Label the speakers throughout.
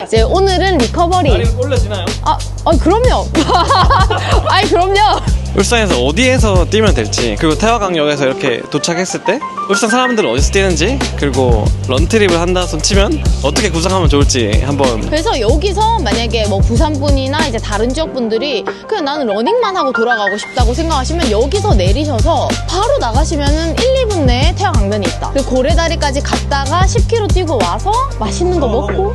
Speaker 1: 이제 오늘은 리커버리.
Speaker 2: 다리 올려지나요?
Speaker 1: 그럼요. 아니, 그럼요.
Speaker 2: 울산에서 어디에서 뛰면 될지, 그리고 태화강역에서 이렇게 도착했을 때 울산 사람들은 어디서 뛰는지, 그리고 런트립을 한다 손 치면 어떻게 구성하면 좋을지 한번.
Speaker 1: 그래서 여기서 만약에 뭐 부산 분이나 이제 다른 지역 분들이 그냥 나는 러닝만 하고 돌아가고 싶다고 생각하시면 여기서 내리셔서 바로 나가시면은 1, 2분 내에 태화강변이 있다. 그리고 고래다리까지 갔다가 10km 뛰고 와서 맛있는 거 먹고.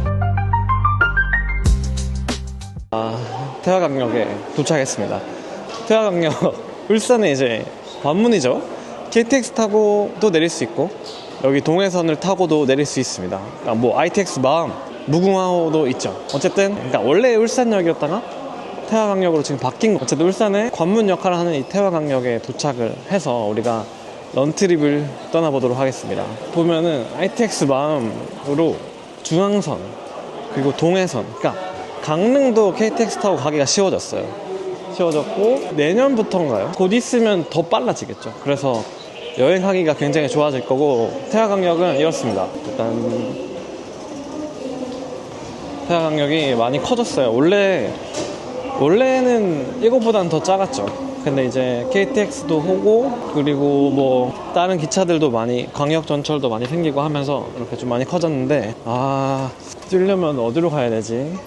Speaker 2: 태화강역에 도착했습니다. 태화강역 울산에 이제 관문이죠. KTX 타고도 내릴 수 있고 여기 동해선을 타고도 내릴 수 있습니다. 그러니까 뭐 ITX 마음, 무궁화호도 있죠. 어쨌든 그러니까 원래 울산역이었다가 태화강역으로 지금 바뀐 거. 어쨌든 울산에 관문 역할을 하는 이 태화강역에 도착을 해서 우리가 런트립을 떠나보도록 하겠습니다. 보면은 ITX 마음으로 중앙선 그리고 동해선, 그러니까 강릉도 KTX 타고 가기가 쉬워졌어요. 쉬워졌고 내년부터인가요? 곧 있으면 더 빨라지겠죠. 그래서 여행하기가 굉장히 좋아질 거고, 태화강역은 이렇습니다. 일단 태화강역이 많이 커졌어요. 원래는 이거보다는 더 작았죠. 근데 이제 KTX도 오고 그리고 뭐 다른 기차들도 많이, 광역 전철도 많이 생기고 하면서 이렇게 좀 많이 커졌는데, 뛰려면 어디로 가야 되지?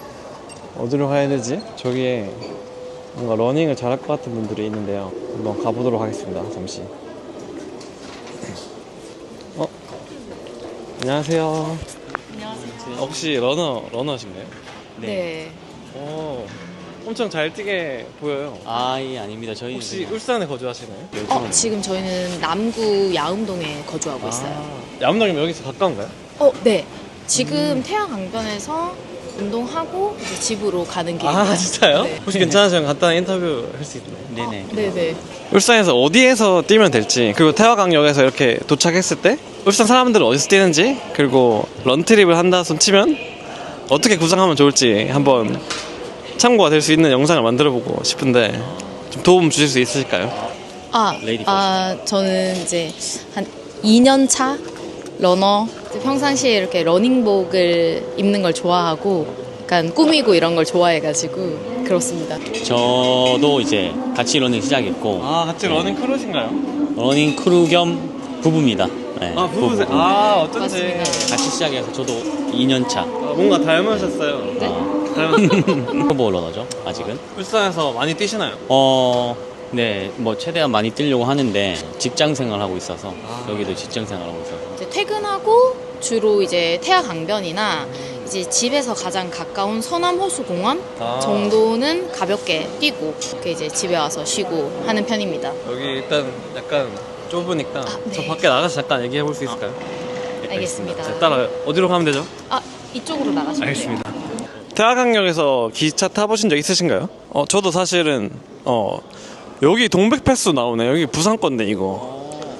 Speaker 2: 저기에 뭔가 러닝을 잘할 것 같은 분들이 있는데요. 한번 가보도록 하겠습니다. 잠시. 안녕하세요.
Speaker 1: 안녕하세요.
Speaker 2: 혹시 러너신가요?
Speaker 1: 네.
Speaker 2: 엄청 잘 뛰게 보여요.
Speaker 3: 예, 아닙니다. 저희
Speaker 2: 혹시 울산에 거주하시나요?
Speaker 1: 지금 저희는 남구 야음동에 거주하고 있어요.
Speaker 2: 야문동이면 여기서 가까운가요?
Speaker 1: 네. 지금 태화강변에서 운동하고 이제 집으로 가는 길입니다.
Speaker 2: 진짜요?
Speaker 1: 네.
Speaker 2: 혹시 괜찮으시면 간단한 인터뷰 할 수 있나요?
Speaker 3: 네네.
Speaker 1: 네네.
Speaker 2: 울산에서 어디에서 뛰면 될지, 그리고 태화강역에서 이렇게 도착했을 때 울산 사람들은 어디서 뛰는지, 그리고 런트립을 한다 손 치면 어떻게 구성하면 좋을지 한번 참고가 될 수 있는 영상을 만들어보고 싶은데 좀 도움 주실 수 있으실까요?
Speaker 3: 레이디
Speaker 1: 저는 이제 한 2년 차 러너. 평상시에 이렇게 러닝복을 입는 걸 좋아하고 약간 꾸미고 이런 걸 좋아해가지고 그렇습니다.
Speaker 3: 저도 이제 같이 러닝 시작했고
Speaker 2: 같이 러닝 크루신가요?
Speaker 3: 러닝 크루 겸 부부입니다. 네,
Speaker 2: 부부세요?
Speaker 3: 부부.
Speaker 2: 어쩐지.
Speaker 1: 맞습니다.
Speaker 3: 같이 시작해서 저도 2년 차.
Speaker 2: 뭔가 닮으셨어요. 닮으셨어요.
Speaker 3: 초보 러너죠, 아직은.
Speaker 2: 울산에서 많이 뛰시나요?
Speaker 3: 네, 뭐 최대한 많이 뛰려고 하는데 직장 생활하고 있어서 여기도 직장 생활하고 있어서.
Speaker 1: 이제 퇴근하고 주로 이제 태화강변이나 이제 집에서 가장 가까운 서남호수공원 정도는 가볍게 뛰고 이렇게 이제 집에 와서 쉬고 하는 편입니다.
Speaker 2: 여기 일단 약간 좁으니까
Speaker 1: 네.
Speaker 2: 저 밖에 나가서 잠깐 얘기해 볼 수 있을까요?
Speaker 1: 알겠습니다.
Speaker 2: 자, 따라요. 어디로 가면 되죠?
Speaker 1: 이쪽으로 나가시면
Speaker 2: 알겠습니다. 태화강역에서 기차 타보신 적 있으신가요? 저도 사실은 여기 동백패스 나오네. 여기 부산 건데 이거.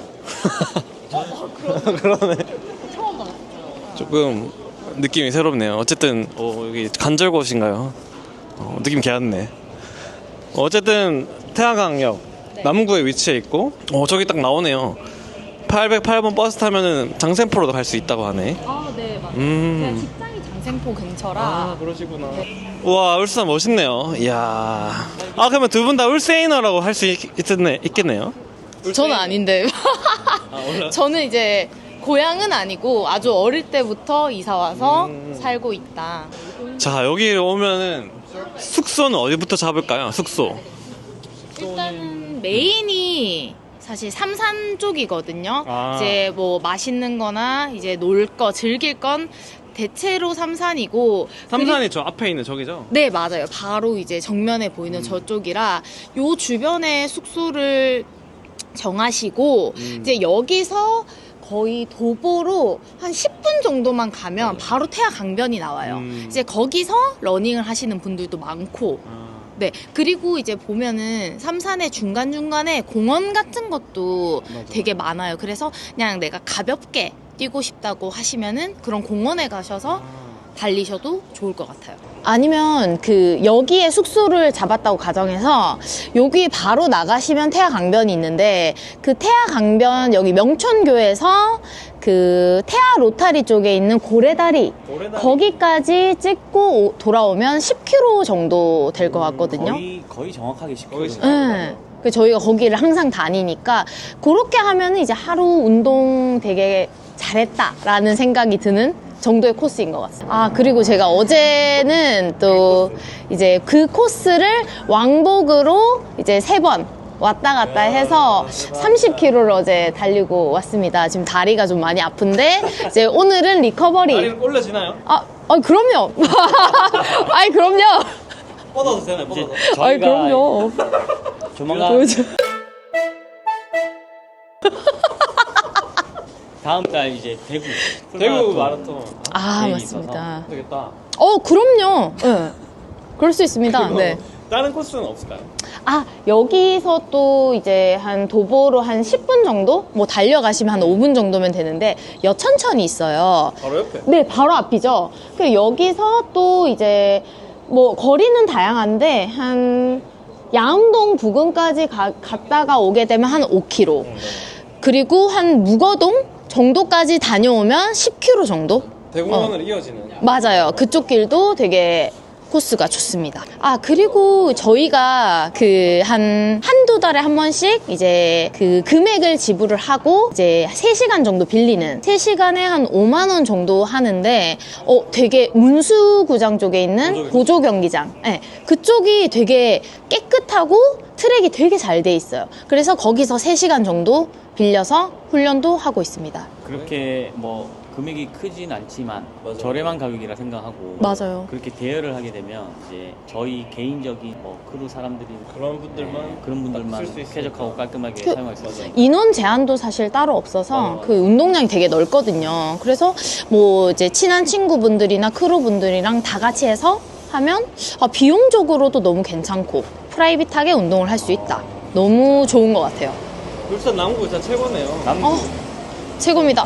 Speaker 2: 그러네.
Speaker 1: 처음 봤어요.
Speaker 2: 조금 느낌이 새롭네요. 어쨌든 여기 간절곶인가요? 느낌 개왔네. 어쨌든 태화강역 남구에 위치해 있고 저기 딱 나오네요. 808번 버스 타면은 장생포로도 갈 수 있다고 하네.
Speaker 1: 네, 맞아요. 제가 직장이 장생포 근처라.
Speaker 2: 그러시구나. 우와, 울산 멋있네요. 이야. 그러면 두 분 다 울세이너라고 할 수 있겠네요.
Speaker 1: 저는 아닌데. 저는 이제 고향은 아니고 아주 어릴 때부터 이사 와서 살고 있다.
Speaker 2: 자, 여기 오면은 숙소는 어디부터 잡을까요? 숙소.
Speaker 1: 일단은 메인이 사실 삼산 쪽이거든요. 이제 뭐 맛있는 거나 이제 놀 거, 즐길 건 대체로 삼산이고.
Speaker 2: 삼산이 저 앞에 있는 저기죠?
Speaker 1: 네, 맞아요. 바로 이제 정면에 보이는 저쪽이라 요 주변에 숙소를 정하시고 이제 여기서 거의 도보로 한 10분 정도만 가면 바로 태화강변이 나와요. 이제 거기서 러닝을 하시는 분들도 많고. 네, 그리고 이제 보면은 삼산의 중간중간에 공원 같은 것도 되게 많아요. 그래서 그냥 내가 가볍게 뛰고 싶다고 하시면은 그런 공원에 가셔서 달리셔도 좋을 것 같아요. 아니면 그 여기에 숙소를 잡았다고 가정해서 여기 바로 나가시면 태화강변이 있는데 그 태화강변 여기 명천교에서 그 태화 로타리 쪽에 있는 고래다리 거기까지 찍고 돌아오면 10km 정도 될 것 같거든요.
Speaker 3: 거의 정확하게 10km.
Speaker 1: 네. 그 저희가 거기를 항상 다니니까 그렇게 하면 이제 하루 운동 되게 잘했다라는 생각이 드는 정도의 코스인 것 같습니다. 아, 그리고 제가 어제는 또 이제 그 코스를 왕복으로 이제 3번 왔다 갔다 해서 30km를 어제 달리고 왔습니다. 지금 다리가 좀 많이 아픈데 이제 오늘은 리커버리.
Speaker 2: 다리 올려지나요?
Speaker 1: 그럼요. 아이, 그럼요.
Speaker 2: 뻗어도 되나요? 뻗어도.
Speaker 1: 아이, 그럼요.
Speaker 3: 조만간
Speaker 1: 보여줘.
Speaker 3: 다음 달 이제
Speaker 2: 대구 마라톤
Speaker 1: 아,
Speaker 3: 계획이
Speaker 1: 맞습니다.
Speaker 2: 되겠다.
Speaker 1: 그럼요. 네. 그럴 수 있습니다.
Speaker 2: 그리고
Speaker 1: 네.
Speaker 2: 다른 코스는 없을까요?
Speaker 1: 아, 여기서 또 이제 한 도보로 한 10분 정도? 뭐 달려가시면 한 5분 정도면 되는데 여천천이 있어요.
Speaker 2: 바로 옆에.
Speaker 1: 네, 바로 앞이죠. 그 여기서 또 이제 뭐 거리는 다양한데 한 양동 부근까지 갔다가 오게 되면 한 5km. 그리고 한 무거동 정도까지 다녀오면 10km 정도?
Speaker 2: 대공원으로 이어지는.
Speaker 1: 맞아요. 그쪽 길도 되게 코스가 좋습니다. 아, 그리고 저희가 그 한두 달에 한 번씩 이제 그 금액을 지불을 하고 이제 3시간 정도 빌리는 3시간에 한 5만 원 정도 하는데 되게 문수구장 쪽에 있는 보조 경기장. 네, 그쪽이 되게 깨끗하고 트랙이 되게 잘 돼 있어요. 그래서 거기서 3시간 정도 빌려서 훈련도 하고 있습니다.
Speaker 3: 그렇게 뭐 금액이 크진 않지만
Speaker 2: 맞아요.
Speaker 3: 저렴한 가격이라 생각하고
Speaker 1: 맞아요.
Speaker 3: 그렇게 대여를 하게 되면 이제 저희 개인적인 뭐 크루 사람들이
Speaker 2: 그런 분들만
Speaker 3: 그런 분들만
Speaker 2: 쓸수 있으니까.
Speaker 3: 쾌적하고 깔끔하게
Speaker 1: 그-
Speaker 3: 사용할 수 있어요.
Speaker 1: 인원 제한도 사실 따로 없어서
Speaker 2: 맞아.
Speaker 1: 그 운동량이 되게 넓거든요. 그래서 뭐 이제 친한 친구분들이나 크루분들이랑 다 같이 해서 하면 비용적으로도 너무 괜찮고 프라이빗하게 운동을 할 수 있다. 너무 좋은 것 같아요.
Speaker 2: 울산 남구 진짜 최고네요.
Speaker 3: 남구
Speaker 1: 최고입니다.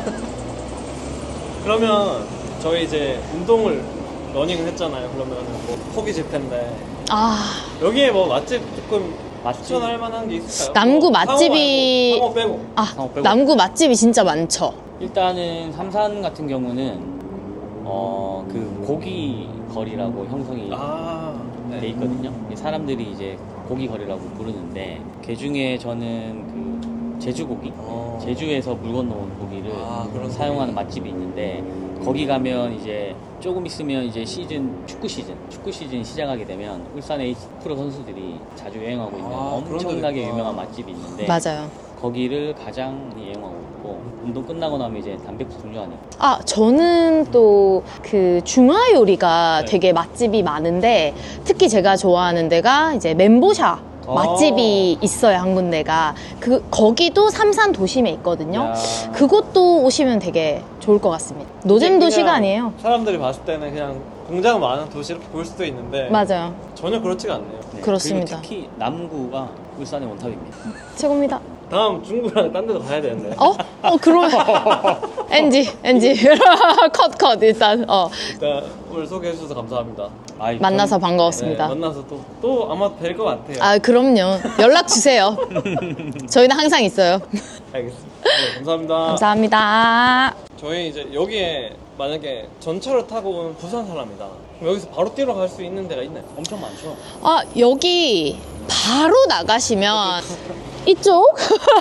Speaker 2: 그러면 저희 이제 운동을 러닝을 했잖아요. 그러면 뭐 포기질 텐데 여기에 뭐 맛집 조금
Speaker 3: 맛집?
Speaker 2: 추천할 만한 게 있을까요?
Speaker 1: 남구
Speaker 2: 뭐
Speaker 1: 맛집이-
Speaker 2: 상호 빼고.
Speaker 3: 상호 빼고.
Speaker 1: 남구 맛집이 진짜 많죠.
Speaker 3: 일단은 삼산 같은 경우는 그 고기 거리라고 형성이
Speaker 2: 네.
Speaker 3: 돼 있거든요. 이 사람들이 이제 고기 거리라고 부르는데 그 중에 저는 그 제주고기, 제주에서 물 건너온 고기를
Speaker 2: 그런
Speaker 3: 사용하는 맛집이 있는데 거기 가면 이제 조금 있으면 이제 축구 시즌 시작하게 되면 울산 H 프로 선수들이 자주 여행하고 있는
Speaker 2: 그런
Speaker 3: 엄청나게
Speaker 2: 데도 있구나.
Speaker 3: 유명한 맛집이 있는데
Speaker 1: 맞아요.
Speaker 3: 거기를 가장 이용하고 있고 운동 끝나고 나면 이제 단백질 중요하니까
Speaker 1: 저는 또 그 중화 요리가
Speaker 2: 네.
Speaker 1: 되게 맛집이 많은데 특히 제가 좋아하는 데가 이제 멘보샤 맛집이 있어요. 한 군데가 거기도 삼산 도심에 있거든요.
Speaker 3: 야.
Speaker 1: 그것도 오시면 되게 좋을 것 같습니다. 노잼 도시가
Speaker 2: 그냥
Speaker 1: 아니에요.
Speaker 2: 사람들이 봤을 때는 그냥 공장 많은 도시 이렇게 보일 수도 있는데
Speaker 1: 맞아요.
Speaker 2: 전혀 그렇지가 않네요.
Speaker 3: 네.
Speaker 1: 그렇습니다.
Speaker 3: 그리고 특히 남구가 울산의 원탑입니다.
Speaker 1: 최고입니다.
Speaker 2: 다음 중구랑 딴 데도 가야 되는데.
Speaker 1: 그럼 NG 컷 일단
Speaker 2: 일단 오늘 소개해 주셔서 감사합니다.
Speaker 3: 아이,
Speaker 1: 만나서
Speaker 3: 저는-
Speaker 1: 반가웠습니다.
Speaker 2: 네, 만나서 또 아마 뵐 것 같아요.
Speaker 1: 그럼요. 연락 주세요. 저희는 항상 있어요.
Speaker 2: 알겠습니다. 네, 감사합니다.
Speaker 1: 감사합니다.
Speaker 2: 저희 이제 여기에 만약에 전철을 타고 온 부산 사람이다. 그럼 여기서 바로 뛰러 갈 수 있는 데가 있나요?
Speaker 3: 엄청 많죠.
Speaker 1: 여기 바로 나가시면 이쪽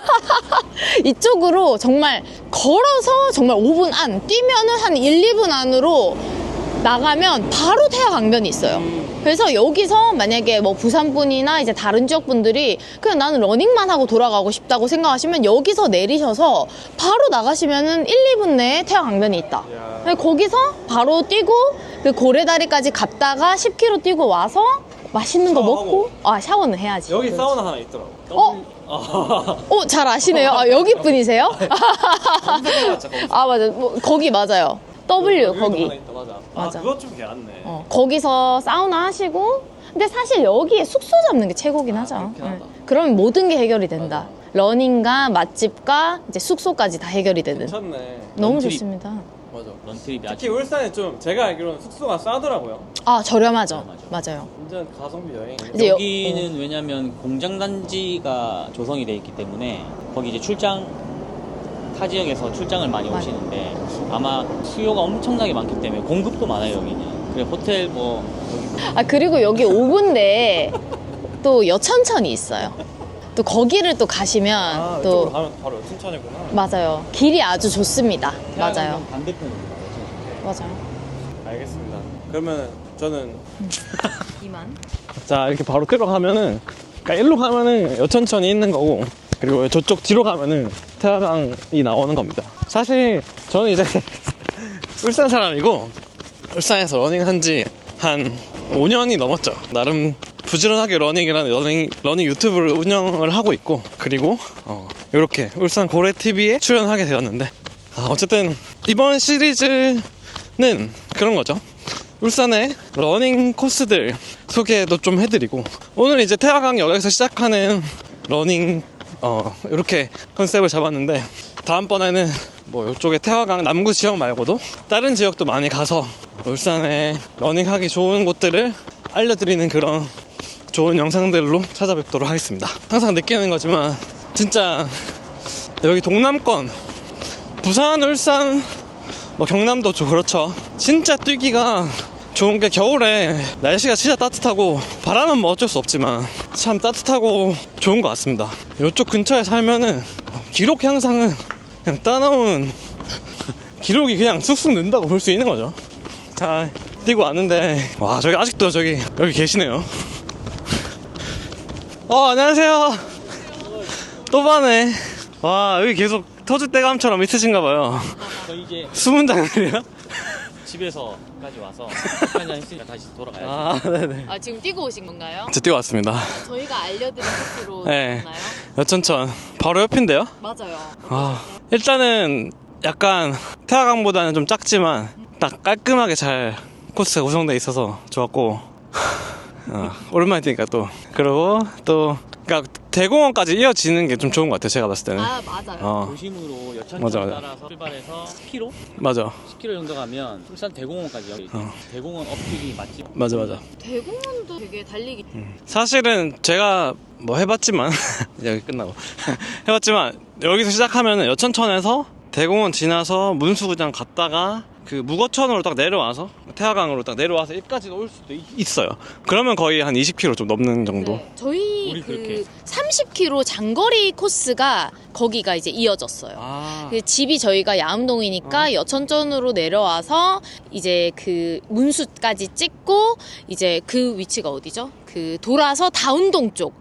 Speaker 1: 이쪽으로 정말 걸어서 정말 5분 안 뛰면은 한 1, 2분 안으로 나가면 바로 태화강변이 있어요. 그래서 여기서 만약에 뭐 부산분이나 이제 다른 지역 분들이 그냥 나는 러닝만 하고 돌아가고 싶다고 생각하시면 여기서 내리셔서 바로 나가시면은 1, 2분 내에 태화강변이 있다.
Speaker 2: 이야.
Speaker 1: 거기서 바로 뛰고 그 고래다리까지 갔다가 10km 뛰고 와서 맛있는 거 먹고 샤워는 해야지.
Speaker 2: 여기
Speaker 1: 그렇지.
Speaker 2: 사우나 하나 있더라고.
Speaker 1: 잘 아시네요. 여기 분이세요?
Speaker 2: 검색해봤자 거기서.
Speaker 1: 맞아. 거기 맞아요. W
Speaker 2: 여기도
Speaker 1: 거기.
Speaker 2: 하나 있다, 맞아.
Speaker 1: 맞아.
Speaker 2: 그것 좀 개안네.
Speaker 1: 거기서 사우나 하시고 근데 사실 여기에 숙소 잡는 게 최고긴 하죠.
Speaker 2: 그렇긴 하다.
Speaker 1: 그러면 모든 게 해결이 된다. 러닝과 맛집과 이제 숙소까지 다 해결이 되는.
Speaker 2: 괜찮네.
Speaker 1: 너무
Speaker 3: 런트립.
Speaker 1: 좋습니다.
Speaker 2: 맞아.
Speaker 3: 런트립이
Speaker 2: 특히
Speaker 3: 아주
Speaker 2: 울산에 좀 제가 알기로는 숙소가 싸더라고요.
Speaker 1: 아, 저렴하죠. 맞아요.
Speaker 2: 완전 가성비 여행.
Speaker 1: 이제
Speaker 3: 여기는 왜냐면 공장 단지가 조성이 돼 있기 때문에 거기 이제 출장 타 지역에서 출장을 많이
Speaker 1: 맞아요.
Speaker 3: 오시는데 아마 수요가 엄청나게 많기 때문에 공급도 많아요 여기는. 그래 호텔 뭐
Speaker 1: 아, 그리고 여기 5군데 또 여천천이 있어요. 또 거기를 또 가시면
Speaker 2: 이쪽으로
Speaker 1: 또
Speaker 2: 가면 바로 춘천이구나.
Speaker 1: 맞아요. 길이 아주 좋습니다. 맞아요.
Speaker 3: 태안강 반대편입니다.
Speaker 1: 맞아요.
Speaker 2: 알겠습니다. 그러면 저는
Speaker 1: 이만.
Speaker 2: 자 이렇게 바로 끌어가면은 그러니까 일로 가면은 여천천이 있는 거고 그리고 저쪽 뒤로 가면은 태화강이 나오는 겁니다. 사실 저는 이제 울산 사람이고 울산에서 러닝한 지 한 5년이 넘었죠. 나름 부지런하게 러닝 유튜브를 운영을 하고 있고 그리고 이렇게 울산 고래TV에 출연하게 되었는데 어쨌든 이번 시리즈는 그런 거죠. 울산의 러닝 코스들 소개도 좀 해드리고 오늘 이제 태화강역에서 시작하는 러닝 이렇게 컨셉을 잡았는데 다음번에는 뭐 이쪽에 태화강 남구 지역 말고도 다른 지역도 많이 가서 울산에 러닝하기 좋은 곳들을 알려드리는 그런 좋은 영상들로 찾아뵙도록 하겠습니다. 항상 느끼는 거지만 진짜 여기 동남권 부산, 울산, 뭐 경남도 그렇죠. 진짜 뛰기가 좋은 게 겨울에 날씨가 진짜 따뜻하고 바람은 뭐 어쩔 수 없지만 참 따뜻하고 좋은 것 같습니다. 이쪽 근처에 살면은 기록 향상은 그냥 따놓은 기록이 그냥 쑥쑥 는다고 볼 수 있는 거죠. 자 뛰고 왔는데 와 저기 아직도 여기 계시네요. 안녕하세요. 또 봐네. 와 여기 계속 터줏대감처럼 있으신가 봐요.
Speaker 3: 저 이제
Speaker 2: 숨은 장면이야?
Speaker 3: 집에서까지 와서 한잔 했으니까 다시 돌아가야지.
Speaker 2: 아 네네.
Speaker 1: 아, 지금 뛰고 오신 건가요?
Speaker 2: 저 뛰고 왔습니다.
Speaker 1: 저희가 알려드린 코스로
Speaker 2: 네.
Speaker 1: 나요?
Speaker 2: 여천천 바로 옆인데요.
Speaker 1: 맞아요.
Speaker 2: 일단은 약간 태화강보다는 좀 작지만 딱 깔끔하게 잘 코스가 구성되어 있어서 좋았고 오랜만에 뛰니까 또 그리고 또 그러니까 대공원까지 이어지는 게 좀 좋은 것 같아요. 제가 봤을 때는.
Speaker 1: 아, 맞아요.
Speaker 3: 도심으로 여천천
Speaker 2: 맞아.
Speaker 3: 따라서 출발해서 10km?
Speaker 2: 맞아
Speaker 3: 10km 정도 가면 울산 대공원까지 여기 대공원 엎드기 맛집.
Speaker 2: 맞아
Speaker 1: 대공원도 되게 달리기.
Speaker 2: 사실은 제가 뭐 해봤지만 여기 끝나고 해봤지만 여기서 시작하면은 여천천에서 대공원 지나서 문수구장 갔다가 그 무거천으로 딱 내려와서 태화강으로 딱 내려와서 여기까지 올 수도 있어요. 그러면 거의 한 20km 좀 넘는 정도.
Speaker 1: 네. 저희
Speaker 3: 우리
Speaker 1: 그
Speaker 3: 그렇게.
Speaker 1: 30km 장거리 코스가 거기가 이제 이어졌어요.
Speaker 2: 아
Speaker 1: 그 집이 저희가 야암동이니까 여천천으로 내려와서 이제 그 문수까지 찍고 이제 그 위치가 어디죠? 그 돌아서 다운동 쪽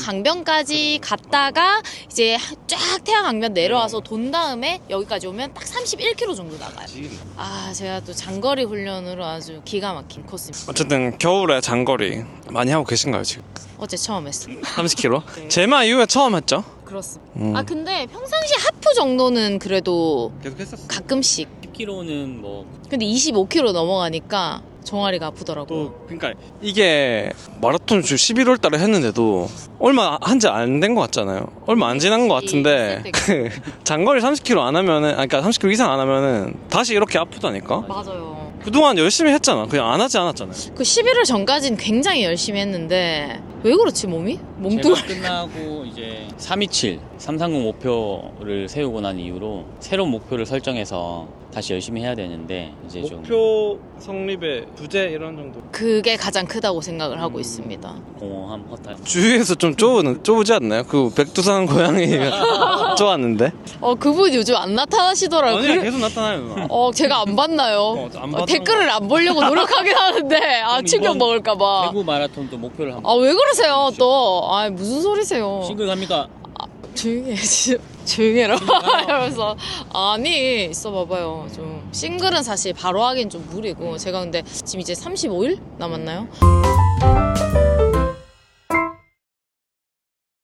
Speaker 1: 태화강변까지 갔다가 이제 쫙 태화강변 내려와서 돈 다음에 여기까지 오면 딱 31km 정도 나가요. 아, 제가 또 장거리 훈련으로 아주 기가 막힌 코스입니다.
Speaker 2: 어쨌든 겨울에 장거리 많이 하고 계신가요 지금?
Speaker 1: 어제 처음 했어요.
Speaker 2: 30km? 제마 이후에 처음 했죠?
Speaker 1: 그렇습니다. 아, 근데 평상시 하프 정도는 그래도
Speaker 2: 계속 했었어.
Speaker 1: 가끔씩.
Speaker 3: 10km는 뭐
Speaker 1: 근데 25km 넘어가니까 종아리가 아프더라고요.
Speaker 2: 또 그러니까 이게 마라톤 11월 달에 했는데도 얼마 한 지 안 된 것 같잖아요. 얼마 안 지난 것 같은데 그 장거리 30km 안 하면은 그러니까 30km 이상 안 하면은 다시 이렇게 아프다니까.
Speaker 1: 맞아요.
Speaker 2: 그동안 열심히 했잖아. 그냥 안 하지 않았잖아요.
Speaker 1: 그 11월 전까지는 굉장히 열심히 했는데 왜 그렇지 몸이?
Speaker 3: 제가
Speaker 1: 몸뚱아리.
Speaker 3: 끝나고 이제 327 330 목표를 세우고 난 이후로 새로운 목표를 설정해서 다시 열심히 해야 되는데 이제 좀
Speaker 2: 목표 성립의 부재 이런 정도.
Speaker 1: 그게 가장 크다고 생각을 하고 있습니다.
Speaker 3: 공허함 허탈.
Speaker 2: 주위에서 좀 좁지 않나요? 그 백두산 고양이가 좁았는데.
Speaker 1: 그분 요즘 안 나타나시더라고요.
Speaker 2: 아니야 계속 나타나요 누나.
Speaker 1: 제가 안 봤나요?
Speaker 2: 안 봤던
Speaker 1: 댓글을 안 보려고 노력하긴 하는데 충격
Speaker 3: 이번
Speaker 1: 먹을까봐.
Speaker 3: 대구 마라톤도 목표를 한번.
Speaker 1: 왜 그러세요 또? 무슨 소리세요?
Speaker 3: 싱글 갑니까?
Speaker 1: 조용히 해, 진짜. 조용히 해라. 이러면서. 아니, 있어 봐봐요. 좀. 싱글은 사실 바로 하긴 좀 무리고. 제가 근데 지금 이제 35일 남았나요?